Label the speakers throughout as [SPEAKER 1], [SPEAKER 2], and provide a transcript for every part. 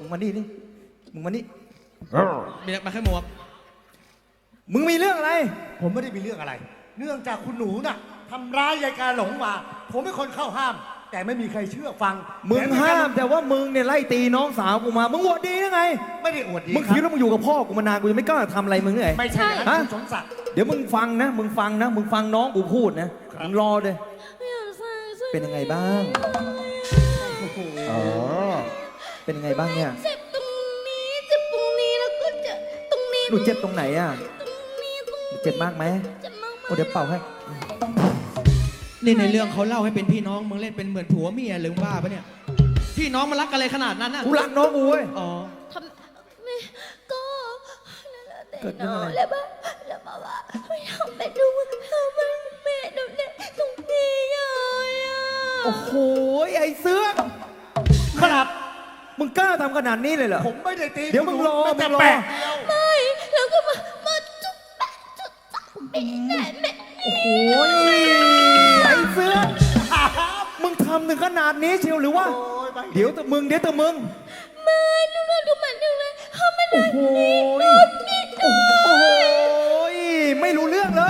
[SPEAKER 1] งมานี่นี่มึงมานี่
[SPEAKER 2] มีมาแค่หมวก
[SPEAKER 1] มึงมีเรื่องอะไร
[SPEAKER 3] ผมไม่ได้มีเรื่องอะไร เนื่องจากคุณหนูน่ะทำร้ายยายกาหลงมา ผมเป็นคนเข้าห้าม แต่ไม่มีใครเชื่อฟัง
[SPEAKER 1] มึงห้ามแต่ว่ามึงเนี่ยไล่ตีน้องสาวกูมา มึงอวดดียังไง
[SPEAKER 3] ไม่ได้อวดดี
[SPEAKER 1] มึงคิดว่ามึงอยู่กับพ่อกูมานานกูจะไม่กล้าทำอะไรมึงเลย
[SPEAKER 3] ไม่ใช่อย่างนั้นคุณสมศักดิ์
[SPEAKER 1] เดี๋ยวมึงฟังนะ มึงฟังนะ มึงฟังน้องกูพูดนะ มึงรอเลย เป็นยังไงบ้างอ๋อเป็นยังไงบ้างเนี่ย
[SPEAKER 4] เจ็บตรงนี้เจ็บตรงนี้แล้วก็เจ็บตรงนี้
[SPEAKER 1] หนูเจ็บตรงไหนอ่ะ
[SPEAKER 4] ตรงนี้ตรง
[SPEAKER 1] หนูเจ็บมากไหม
[SPEAKER 4] เจ็บมาก
[SPEAKER 1] โอ้เดี๋ยวเป่าให้
[SPEAKER 2] นี่ในเรื่องเขาเล่าให้เป็นพี่น้องมึงเล่นเป็นเหมือนผัวเมียหรือบ้าปะเนี่ยพี่น้องมันรักกันเลยขนาดนั้นนะ
[SPEAKER 1] กูรักน้องกูเว้ย
[SPEAKER 2] อ๋อ
[SPEAKER 4] ทำไม่ก็แต่
[SPEAKER 1] เกิดเรื่
[SPEAKER 4] น้
[SPEAKER 1] อง
[SPEAKER 4] อ
[SPEAKER 1] อะไร
[SPEAKER 4] งแล้วบ้าแล้วบ้าว่าไม่ทำเป็นดูทำเป็นแม่ดูเนี่ยตรงนี้เลยอ่ะ
[SPEAKER 1] โอ้โหไอ้เสื้อ
[SPEAKER 3] ครับ
[SPEAKER 1] มึงกล้าทำขนาดนี้เลยเหรอ
[SPEAKER 3] ผมไม่ได้ตี
[SPEAKER 1] เดี๋ยวมึงรอ
[SPEAKER 3] แต่
[SPEAKER 1] มึงรอ
[SPEAKER 3] แปะเดียว
[SPEAKER 4] ไม่แล้วก็มาจุ๊บแปะจุ๊บจับไม่ได้แม่
[SPEAKER 1] โอ้โหไอ้เสื้อ มึงทำถึงขนาดนี้เชียวหรือว่า
[SPEAKER 3] โอ้ยไป
[SPEAKER 1] เดี๋ยวแต่มึง
[SPEAKER 4] ไม่ดูมันดูเลยทำมัน
[SPEAKER 1] โอ้โหโอ้โหไม่รู้เรื่องเลย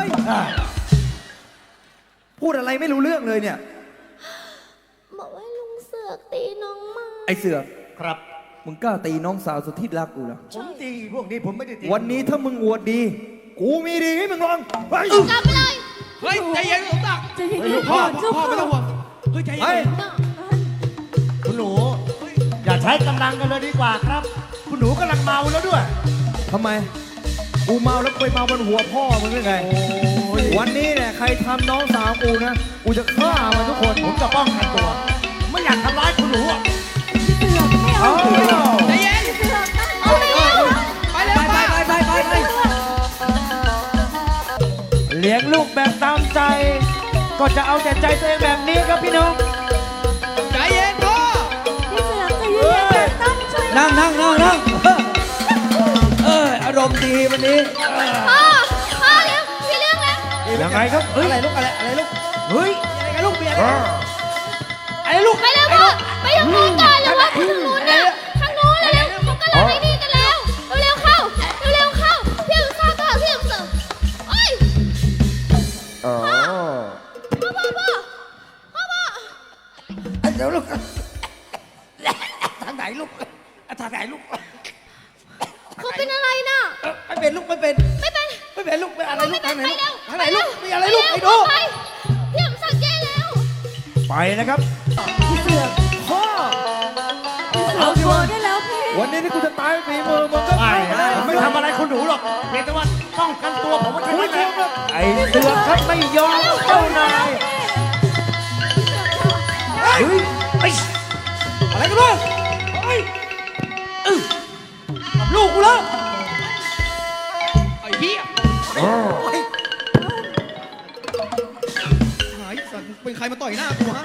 [SPEAKER 1] พูดอะไรไม่รู้เรื่องเลยเนี่ย
[SPEAKER 4] บอกว่าลุงเสือกตีน้องมา
[SPEAKER 1] ไอ้เสือ
[SPEAKER 3] ครับ
[SPEAKER 1] มึงกล้าตีน้องสาวสุดที่รักกูเหรอ
[SPEAKER 3] ผมตีพวกนี้ผมไม่ได้ตี
[SPEAKER 1] วันนี้ถ้ามึงอวดดี กูมีดีให้มึงลองไป
[SPEAKER 4] กลับไปเลย
[SPEAKER 2] เฮ้ยใจเย็นสมศักดิ์
[SPEAKER 4] จะยิง
[SPEAKER 2] พ่อไม่ต้องห่วงเฮ้ยใจ
[SPEAKER 1] ไป
[SPEAKER 2] เย็น
[SPEAKER 3] คุณหนู อย่าใช้กำลังกันเลยดีกว่าครับ คุณหนูกำลังเมาแล้วด้วย
[SPEAKER 1] ทำไม กูเมาแล้วไปเมาบนหัวพ่อมึงได้ไง วันนี้เนี่ยใครทำน้องสาวกูนะ กูจะฆ่ามันทุกคน
[SPEAKER 3] ผมจะป้องกันตัว ไม่อยากทำร้ายคุณหนูอะ
[SPEAKER 1] เอา
[SPEAKER 2] ใจเย็น
[SPEAKER 4] เอาไปเลย
[SPEAKER 2] ไปเลยไป
[SPEAKER 5] เลี้ยงลูกแบบตามใจ ก็จะเอาแต่ใจตัวเองแบบนี้ครับพี่น้อง
[SPEAKER 2] ใจเย็นพ่อ
[SPEAKER 4] พี่เสือกจะยิงแกตั้งช่วย
[SPEAKER 5] นั่งอารมณ์ดีวันนี้
[SPEAKER 4] พ่อเลี้ยงพี่เลี้ยงแล้ว
[SPEAKER 5] ยังไงครับ
[SPEAKER 2] อะไรลูกอะไรลูก
[SPEAKER 5] เฮ้ย
[SPEAKER 2] อะไรกันลูกเบียร์
[SPEAKER 5] อะไรลูก
[SPEAKER 4] ไปเร็วพ่อไปทางโน้นก่อนเลยว่าทางโน้นน่ะทางโน้นเร็วเขากำลังไอ้นี่กันแล้วเร็วเข้าเร็วเข้าพี่ลุงซาก็พี่ลุงเสือโอ้ยพ่อ
[SPEAKER 5] เดี๋ยวลูกทางไหนลูกทางไหนลูก
[SPEAKER 4] เขาเป็นอะไรน่ะ
[SPEAKER 5] ไม่เป็นลูกไม่เป็น
[SPEAKER 4] ไม่เป็น
[SPEAKER 5] ไม่เป็นลูกเป็นอะไรลูกทางไหน
[SPEAKER 4] ไป
[SPEAKER 5] ลูก
[SPEAKER 4] เร็ว
[SPEAKER 5] ทางไหนลูกมีอะไรลูกไอ้ดู
[SPEAKER 4] ไปพี่ลุงซาแย่แล้ว
[SPEAKER 5] ไปนะครับ
[SPEAKER 1] พ่อ
[SPEAKER 4] เอาชัวร์ได้แล้วพี่
[SPEAKER 1] วันนี้ที่กูจะตายฝีมือมึงก็
[SPEAKER 3] ไม่
[SPEAKER 1] ไม่ได้
[SPEAKER 3] ไม่ทำอะไรคุณหนูหรอกเพียงแต่ว่าป้องกันตัวผมว่า
[SPEAKER 1] กู
[SPEAKER 3] แค่
[SPEAKER 1] ไม่
[SPEAKER 3] นั้นแห
[SPEAKER 1] ยอ
[SPEAKER 3] ละ
[SPEAKER 1] มหรอก
[SPEAKER 5] ไอ้เสือกครับไม่ยอมเจ้านายเฮ้ยไอ้อะไรกันลูกเฮ้ยกับลูกกูแล้ว
[SPEAKER 2] ไอ้เหี้ยหายสัตว์เป็นใครมาต่อยหน้ากูฮะ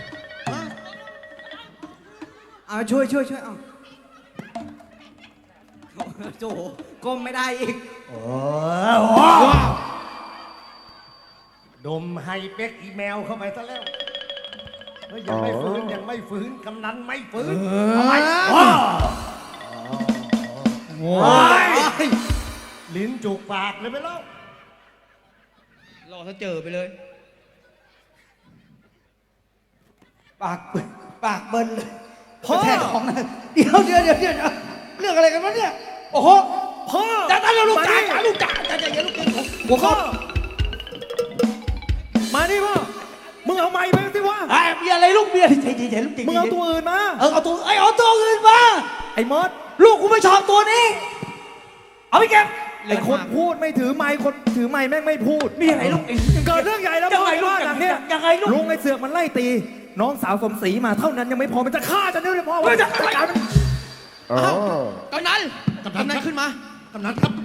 [SPEAKER 5] เอาช่วยเอาโจก้มไม่ได้อีก
[SPEAKER 3] โอ้
[SPEAKER 2] ว้าว
[SPEAKER 3] ดมไฮเป็กอีเมลเข้าไปซะแล้วเฮ้ยยังไม่ฟื้นกำนันไม่ฟื้นทำไมโอ้ยลิ้นจุกปากเลยไปแล้ว
[SPEAKER 2] รอถ้าเจอไปเลย
[SPEAKER 5] ปากเบิ้ลเลยพ่อแท้ของนะเดี๋ยวเรื่องอะไรกันวะเนี่ยโอ้โห
[SPEAKER 1] พ่อ
[SPEAKER 5] จ้าลูกจ๋า
[SPEAKER 1] มาดิ
[SPEAKER 5] ลูกจ๋าอย่าลูกเก่งของ
[SPEAKER 1] หัวข้อมาดิพ่อ มึงเอาไม้ไปสิวะ
[SPEAKER 5] เบียร์อะไรลูกเบียร์ใจลูกจริง
[SPEAKER 1] มึงเอาตัวอื่นมา
[SPEAKER 5] เอาตัวอื่นมา
[SPEAKER 1] ไอ้มด
[SPEAKER 5] ลูกกูไม่ชอบตัวนี้ เอาไปเก็บ
[SPEAKER 1] ไอ้คนพูดไม่ถือไม้คนถือไม้แม่งไม่พูด
[SPEAKER 5] มีอะไรลูก
[SPEAKER 1] เกิดเรื่องใหญ่แล้ว
[SPEAKER 5] ยังไงลูก
[SPEAKER 1] บ้านหลังเนี้ย
[SPEAKER 5] ยังไงลูก
[SPEAKER 1] ลุงไอ้เสือกมันไล่ตี น้องสาวสมศรีมาเท่านั้นยังไม่พอมันจะฆ่าจะเนี่ยพ่อ
[SPEAKER 5] เฮ้ยจะ
[SPEAKER 1] จัดการมัน
[SPEAKER 2] กำนันขึ้นมา
[SPEAKER 3] กำนันครับ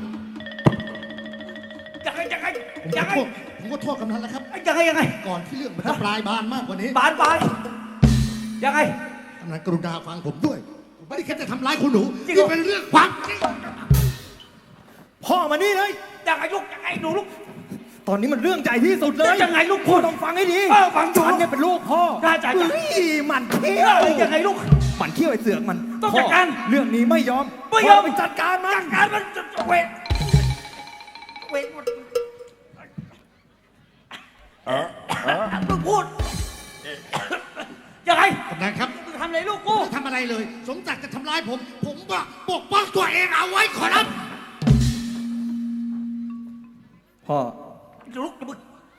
[SPEAKER 5] ยังไง
[SPEAKER 3] ผมก็โทษกำนันแล้วครับ
[SPEAKER 5] ยังไง
[SPEAKER 3] ก่อนที่เรื่องมันจะปลายบานมากกว่านี้
[SPEAKER 5] บานยังไง
[SPEAKER 3] กำนันกรุณาฟังผมด้วยผมไม่ได้แค่จะทำร้ายคุณหนู
[SPEAKER 5] จริงเหร
[SPEAKER 3] นี่
[SPEAKER 5] อ
[SPEAKER 3] เป็นเรื่องความจริง
[SPEAKER 1] พ่อมานี่เลย
[SPEAKER 5] ยังไงลูกยังไงหนูลูก
[SPEAKER 1] ตอนนี้มันเรื่องใหญ่ที่สุดเลย
[SPEAKER 5] ยังไงลูกพูด
[SPEAKER 1] ต้องฟังให้ดี
[SPEAKER 5] ฟังอยู่
[SPEAKER 1] ฉันเนี่ยเป็นลูกพ่อ
[SPEAKER 5] ได้ใจ
[SPEAKER 1] เฮ้ยหมันเที่ยว
[SPEAKER 5] ยังไงลูก
[SPEAKER 1] หมันเขี้ยวไอ้เสือกมัน
[SPEAKER 3] ต้องจัดการ
[SPEAKER 1] พ่อเรื่องนี้ไม่ยอม
[SPEAKER 3] ไม่ยอม
[SPEAKER 1] พ่ไปจัดการมัน
[SPEAKER 3] จัดการมันเวทหมดมึงพูดยังไง
[SPEAKER 6] กำนันครับ
[SPEAKER 3] มึงทำอะไรลูกกู
[SPEAKER 6] ไม่ทำอะไรเลย สมศักดิ์จะทำร้ายผม ผมว่าปกป้องตัวเองเอาไว้ขอรับ
[SPEAKER 1] พ่อ
[SPEAKER 3] ลูกมึง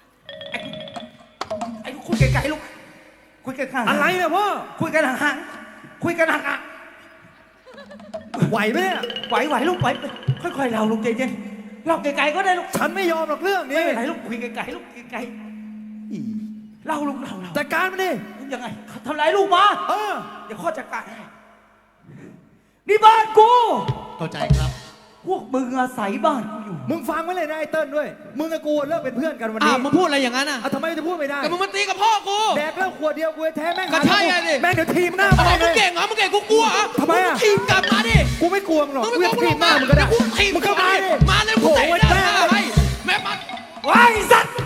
[SPEAKER 3] ไอ้ลูกคุยไกลๆลูกคุยกันห่างๆ
[SPEAKER 1] อะไรเนี่ยพ่อ
[SPEAKER 3] คุยกันห่างๆคุยกันห่าง
[SPEAKER 1] ไหวไหมเนี่ย
[SPEAKER 3] ๆไหวลูกไหวค่อยๆเราลูกใจเย็นเราไกลๆก็ได้ลูก
[SPEAKER 1] ฉันไม่ยอมหรอกเรื่อง
[SPEAKER 3] ไม่
[SPEAKER 1] นี้
[SPEAKER 3] เป็นไรลูกคุยไกลๆลูกไกล
[SPEAKER 1] อี
[SPEAKER 3] ๆเล่าลูกเล่า
[SPEAKER 1] จัดการมันดิ
[SPEAKER 3] ยังไงทำร้ายลูกมา
[SPEAKER 1] เออ
[SPEAKER 3] เดี๋ยวข้อจัดการให้นี่บ้านกู
[SPEAKER 6] เข้าใจครับ
[SPEAKER 3] พวกมึงอาศัยบ้านกูอยู่
[SPEAKER 1] มึงฟังไว้เลยนะไอ้เติ้ลด้วย มึงกับกูเลิกเป็นเพื่อนกันวันนี้
[SPEAKER 2] มึงพูดอะไรอย่างนั้นอ่ะ
[SPEAKER 1] ทำไมจะพูดไม่ได้
[SPEAKER 2] ก็มึงมาตีกับพ่อกู
[SPEAKER 1] แดกเหล้าขวดเดียวกูแท้แม่ง
[SPEAKER 2] ก็ใช่ไงดิ
[SPEAKER 1] แม่งเดี๋ยวทีมหน้า
[SPEAKER 2] อ๋อ
[SPEAKER 1] มา
[SPEAKER 2] มึ
[SPEAKER 1] เล
[SPEAKER 2] ง
[SPEAKER 1] ย
[SPEAKER 2] เก่งเหรอมึงเก่งกูกลัวเหรอ
[SPEAKER 1] ทำไมอะ
[SPEAKER 2] งทีมกลับมาดิ
[SPEAKER 1] กูไม่กลัวมึงหรอก
[SPEAKER 2] มึงไม่
[SPEAKER 1] กู
[SPEAKER 2] กลัว
[SPEAKER 1] จะ
[SPEAKER 2] มึง
[SPEAKER 1] ทีมหน้ามึงก็ได้
[SPEAKER 2] กูทีม
[SPEAKER 1] มึงเข้ามาดิ
[SPEAKER 2] มาเลยกูเตะ
[SPEAKER 1] โอ้
[SPEAKER 2] ห
[SPEAKER 1] ย
[SPEAKER 2] น้า
[SPEAKER 1] แม่
[SPEAKER 2] ให้แม่มา
[SPEAKER 3] ว้ายสัตว์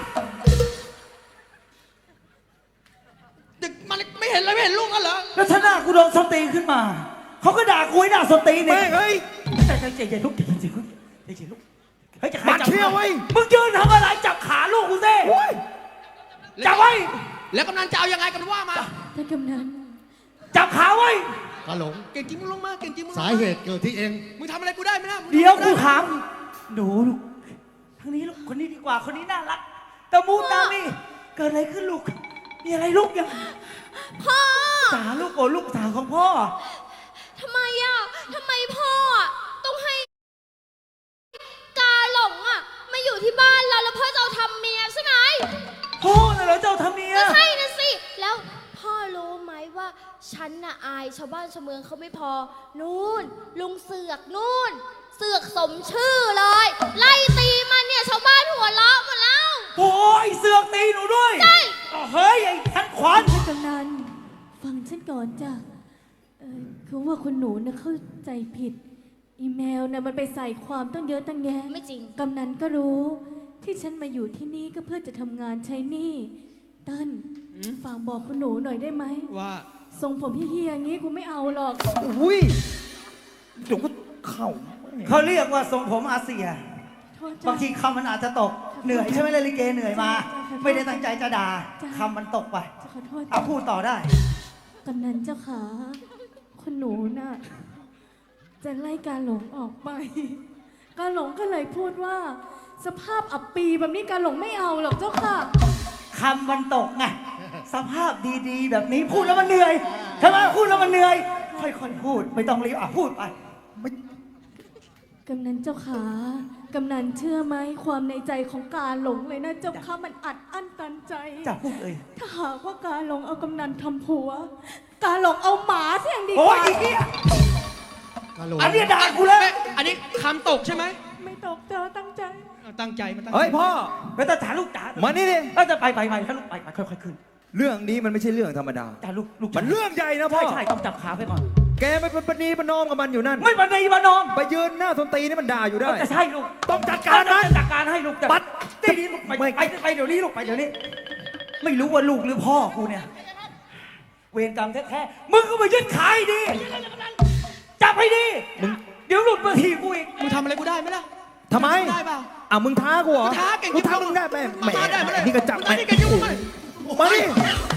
[SPEAKER 2] เด็กมันไม่เห็นเลยไม่เห็นลูกกันเหรอ
[SPEAKER 3] แล้วถ้าหน้ากูโดนสนตีนขึ้นมา เขาก็ด่ากูให้หน้าสนตีนเนี่
[SPEAKER 1] แม่
[SPEAKER 3] ย
[SPEAKER 1] งเฮ้ย
[SPEAKER 3] ใจเย็นลูกใจเย็นลูกใจเย็นลูกเฮ้ยจะใคร
[SPEAKER 1] มัน
[SPEAKER 3] จับ
[SPEAKER 1] เชี่ยวไว้ย
[SPEAKER 3] มึงยืนทำอะไรจับขาลูกกูสิ
[SPEAKER 1] โอ้ย
[SPEAKER 3] จับไว้
[SPEAKER 2] แล้วกำนันจะเอายังไงกันว่ามา
[SPEAKER 4] ท่านกำนัน
[SPEAKER 3] จับขาไว้
[SPEAKER 6] กาหลง
[SPEAKER 2] เก่งจริงมึงลงมาเก่งจริงมึงลง
[SPEAKER 6] สาเหตุเกิดที่เอง
[SPEAKER 2] มึงทำอะไรกูได้ไหมนะมึงทำ
[SPEAKER 3] เดี๋ยว
[SPEAKER 2] อะไร
[SPEAKER 3] กู
[SPEAKER 2] ได้
[SPEAKER 3] ถามหนูลูกทางนี้ลูกคนนี้ดีกว่าคนนี้น่ารักตะมูตามีเกิดอะไรขึ้นลูกมีอะไรลูกยัง
[SPEAKER 4] พ่อ
[SPEAKER 3] สาลูกโอ้ลูกสาวของพ่อ
[SPEAKER 4] ทำไมอ่ะทำไมพ่ออ่ะต้องให้กาหลงอ่ะมาอยู่ที่บ้านเราแล้วพ่อจะเอาทำเมียใช่ไหม
[SPEAKER 3] พ่อน่ะเหรอเจ้าทำเมีย
[SPEAKER 4] ก็ใช่นะสิ แล้วพ่อรู้ไหมว่าฉันน่ะอายชาวบ้านชาวเมืองเขาไม่พอ นู่น ลุงเสือกนู่น เสือกสมชื่อเลย ไล่ตีมันเนี่ยชาวบ้านหัวเราะหมดแล้ว
[SPEAKER 3] โอ้ยเสือกตีหนูด้วย
[SPEAKER 4] ใช่
[SPEAKER 3] เฮ้ยไอ้ทันขวาน
[SPEAKER 7] ท่านกำนันฟังฉันก่อนจ้ะคือว่าคุณหนูน่ะเข้าใจผิด อีเมลน่ะมันไปใส่ความตั้งเยอะตั้งแยะ
[SPEAKER 4] ไม่จริง
[SPEAKER 7] กำนันก็รู้ที่ฉันมาอยู่ที่นี่ก็เพื่อจะทำงานใช้หนี้เติ้ลฝากบอกคุณหนูหน่อยได้ไหม
[SPEAKER 2] ว่า
[SPEAKER 7] ทรงผมเฮียๆอย่างนี้กูไม่เอาหรอก
[SPEAKER 1] อุ้ยเดี๋ยวก็เข้า
[SPEAKER 3] เขาเรียกว่าทรงผมอาเซีย
[SPEAKER 7] โทษจ้ะ
[SPEAKER 3] บางทีคำมันอาจจะตก เหนื่อยใช่ไหมล่ะลิเกเหนื่อยมา ไม่ได้ตั้งใจจะด่า
[SPEAKER 7] จ้ะ
[SPEAKER 3] คำมันตกไป
[SPEAKER 7] จะขอโทษ
[SPEAKER 3] เอาพูดต่อได้
[SPEAKER 7] กำนันเจ้าขาคุณหนูน่ะจะไล่การหลงออกไป การหลงก็เลยพูดว่า สภาพอับปีแบบนี้การหลงไม่เอาหรอกเจ้าค่ะ
[SPEAKER 3] คำมันตกไง สภาพดีๆ แบบนี้พูดแล้วมันเหนื่อยใช่ไหมพูดแล้วมันเหนื่อย ค่อยๆพูด ไม่ต้องรีบพูดไป
[SPEAKER 7] กำนันเจ้าขา กำนันเชื่อไหมความในใจของการหลงเลยนะเจ้าค่ะมันอัดอั้นตันใจ
[SPEAKER 3] จะพูดเลย
[SPEAKER 7] ถ้าหากว่าการหลงเอากำนันทำผัว การหลงเอาหมาเสียงดีก
[SPEAKER 3] โอ้ย
[SPEAKER 7] ว่า
[SPEAKER 3] อีกเนี่ย
[SPEAKER 6] กาหลง
[SPEAKER 3] อันเนี้ยด่ากูแล้ว
[SPEAKER 2] อันนี้คำตกใช่ไหม
[SPEAKER 7] ไม่ตกเจอตั้งใจ
[SPEAKER 2] ตั้งใจมันตั้งใจ
[SPEAKER 1] เฮ้ยพ่อ
[SPEAKER 3] ไม่ต้องจ่าลูกจ่า
[SPEAKER 1] มานี่ดิ
[SPEAKER 3] เออจะไปถ้าลูกไปค่อยๆขึ้น
[SPEAKER 1] เรื่องนี้มันไม่ใช่เรื่องธรรมดา
[SPEAKER 3] จ่าลูก
[SPEAKER 1] มันเรื่องใหญ่นะพ่อ
[SPEAKER 3] ใช่ต้องจับขาไปก่อน
[SPEAKER 1] แกไม่เป็นปณีประนอมกับมันอยู่นั่น
[SPEAKER 3] ไม่บันไดมานอน
[SPEAKER 1] ไปยืนหน้าสนตีนี่มันด่าอยู่ได้
[SPEAKER 3] จะใช่ลูก
[SPEAKER 1] ต้องจัดการมัน
[SPEAKER 3] จัดการให้ลูก
[SPEAKER 1] ปัด
[SPEAKER 3] ตีนี้ลูกไปเดี๋ยวนี้ลูกไปเดี๋ยวนี้ ไม่รู้ว่าลูกหรือพ่อกูเนี่ย เวรกรรมแท้ๆมึงก็มายึดขายดี จับให้ดี เดี๋ยวหลุดมาทีกูอีก
[SPEAKER 2] มึงทำอะไรกูได้ไหมล่ะ
[SPEAKER 1] ทำไม
[SPEAKER 2] ได้เปล่า
[SPEAKER 1] อ่ะมึงท้ากูเหรอ
[SPEAKER 2] กูท้าเก่ง
[SPEAKER 1] กูท้ามึงได้ไหมแหม
[SPEAKER 2] ได้ไหม
[SPEAKER 1] นี่ก็จับ
[SPEAKER 2] ได้เก่งจริงไหม
[SPEAKER 1] มาดิ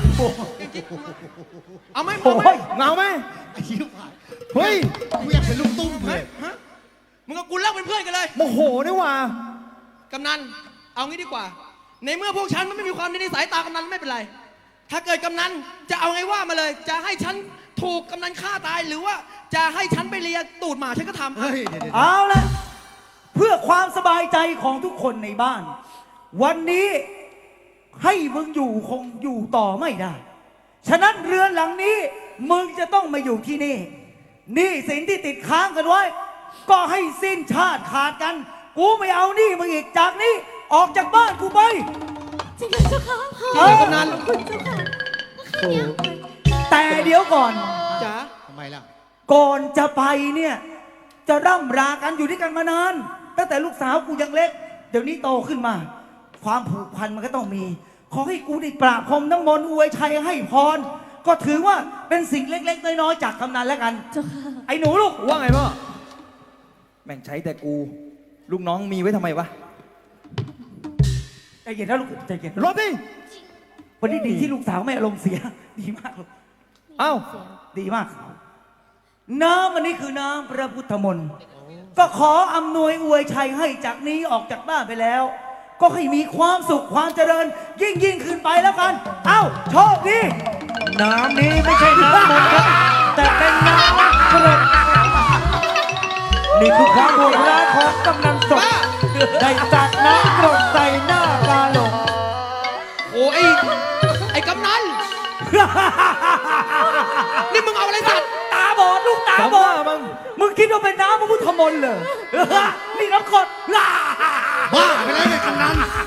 [SPEAKER 2] เอาไหม
[SPEAKER 3] โอ้
[SPEAKER 2] เอาไหม
[SPEAKER 3] ย
[SPEAKER 1] เงาไหม
[SPEAKER 6] ไอ้ชิบหาย
[SPEAKER 1] เฮ้ย
[SPEAKER 6] กูอยากเป็นลูกตุ้มเลย
[SPEAKER 2] ฮะมึงกับกูเลิกเป็นเพื่อนกันเลย
[SPEAKER 1] โมโหนี่หว่า
[SPEAKER 2] กำนัน เอางี้ดีกว่า ในเมื่อพวกฉันมันไม่มีความในสายตากำนันไม่เป็นไร ถ้าเกิดกำนันจะเอาไงว่ามาเลย จะให้ฉันถูกกำนันฆ่าตายหรือว่าจะให้ฉันไปเลียตูดหมาฉันก็ทำ
[SPEAKER 6] เฮ้ยเดี๋ยว
[SPEAKER 3] เอาละเพื่อความสบายใจของทุกคนในบ้าน วันนี้ให้มึงอยู่คงอยู่ต่อไม่ได้ ฉะนั้นเรือนหลังนี้ มึงจะต้องมาอยู่ที่นี่หนี้สินที่ติดค้างกันไว้ ก็ให้สิ้นชาติขาดกัน กูไม่เอาหนี้มึงอีกจากนี้ ออกจากบ้านกูไป
[SPEAKER 7] จริงเหรอเจ้าค่ะ
[SPEAKER 3] เออ
[SPEAKER 2] กำนัน
[SPEAKER 7] ขอบคุณเจ้าค่ะ
[SPEAKER 3] แต่เดี๋ยวก่อน
[SPEAKER 2] จ๋า
[SPEAKER 6] ทำไมล่ะ
[SPEAKER 3] ก่อนจะไปเนี่ย จะร่ำรากันอยู่ด้วยกันมานานตั้งแต่ลูกสาวกูยังเล็ก เดี๋ยวนี้โตขึ้นมา ความผูกพันมันก็ต้องมี ขอให้กูได้ปราบพรมน้ำมนต์อวยชัยให้พรก็ถือว่าเป็นสิ่งเล็กๆน้อยๆจากกำนันแล้วกัน
[SPEAKER 7] เจ้าค่ะ
[SPEAKER 3] ไอ้หนูลูก
[SPEAKER 1] ว่าไงพ่อ แม่งใช้แต่กู ลูกน้องมีไว้ทำไมวะ
[SPEAKER 3] ใจเย็นนะลูกใจเย็น
[SPEAKER 1] รถดิ
[SPEAKER 3] วันนี้ดีที่ลูกสาวไม่อารมณ์เสีย ดีมากลูก
[SPEAKER 1] เอ้า
[SPEAKER 3] ดีมาก น้ำอันนี้คือน้ำพระพุทธมนต์ก็ขออำนวยอวยชัยให้จากนี้ออกจากบ้านไปแล้ว ก็ให้มีความสุขความเจริญ ยิ่งขึ้นไปแล้วกัน เอ้าโชคดี
[SPEAKER 5] น้ำนี้ไม่ใช่น้ำมนต์ครับ แต่เป็นน้ำกรดนี่คือความโหดร้ายของกำนันสดได้จัดน้ำกรดใส่หน้ากาหลง
[SPEAKER 2] โอ้ไอ้กำนัน นี่มึงเอาอะไรสัตว์
[SPEAKER 3] ตาบอดลูกตาบอด
[SPEAKER 1] มึง
[SPEAKER 3] มึงคิดว่าเป็นน้ำพระพุทธมนต์เหรอนี่น้ำกรด
[SPEAKER 6] บ้าไปแล้วเนี่ยกำนัน